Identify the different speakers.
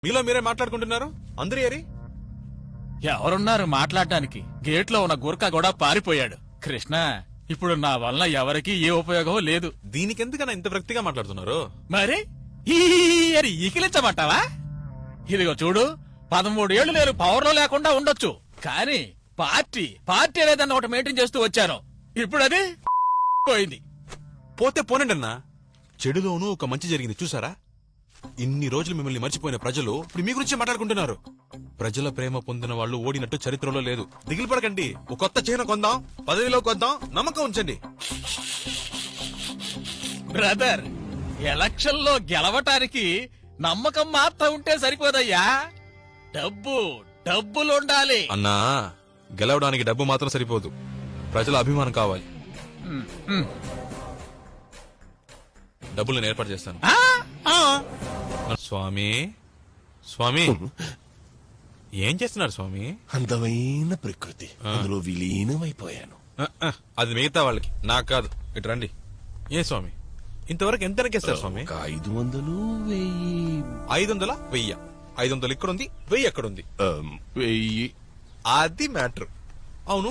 Speaker 1: మీలో మీరే మాట్లాడుకుంటున్నారు అందరూ ఏరి?
Speaker 2: ఎవరున్నారు మాట్లాడడానికి? గేట్లో ఉన్న గుర్కా కూడా పారిపోయాడు. కృష్ణ, ఇప్పుడు నా వల్ల ఎవరికీ ఏ ఉపయోగం లేదు.
Speaker 1: దీనికెందుకన్నా ఇంత వ్యక్తిగా మాట్లాడుతున్నారు?
Speaker 2: మరి ఈ అని ఈకిలించమంటావా? ఇదిగో చూడు, 13 ఏళ్లు నేను పవర్ లో లేకుండా ఉండొచ్చు, కానీ పార్టీ అనేదన్న ఒకటి మెయింటైన్ చేస్తూ వచ్చాను. ఇప్పుడు అది పోయింది.
Speaker 1: పోతే పోనండి అన్నా, చెడులోనూ ఒక మంచి జరిగింది చూసారా? ఇన్ని రోజులు మిమ్మల్ని మర్చిపోయిన ప్రజలు ఇప్పుడు మీ గురించి మాట్లాడుకుంటున్నారు. ప్రజల ప్రేమ పొందిన వాళ్ళు ఓడినట్టు చరిత్రలో లేదు. దిగులు పడకండి, ఒక కొత్త చిహ్నం కొందాం, పదవిలో కొందాం, నమ్మకం ఉంచండి.
Speaker 2: బ్రదర్, ఎలక్షన్ లో గెలవటానికి నమ్మకం మాత్రం ఉంటే సరిపోదయ్యా. డబ్బులుండాలి.
Speaker 1: అన్నా, గెలవడానికి డబ్బు మాత్రం సరిపోదు, ప్రజల అభిమానం కావాలి. డబ్బులు నేను ఏర్పాటు చేస్తాను. స్వామి స్వామి ఏం చేస్తున్నారు స్వామి?
Speaker 3: అందమైన ప్రకృతి, అందులో విలీనమైపోయాను.
Speaker 1: అది మిగతా వాళ్ళకి, నాకు కాదు. ఇటు రండి. ఏ స్వామి, ఇంతవరకు ఎంత ఎక్కేస్తారు స్వామి?
Speaker 3: 500, 1000.
Speaker 1: 500, 1000. 500 ఇక్కడుంది, 1000 ఎక్కడుంది?
Speaker 3: 1000.
Speaker 1: అది మ్యాటర్. అవును,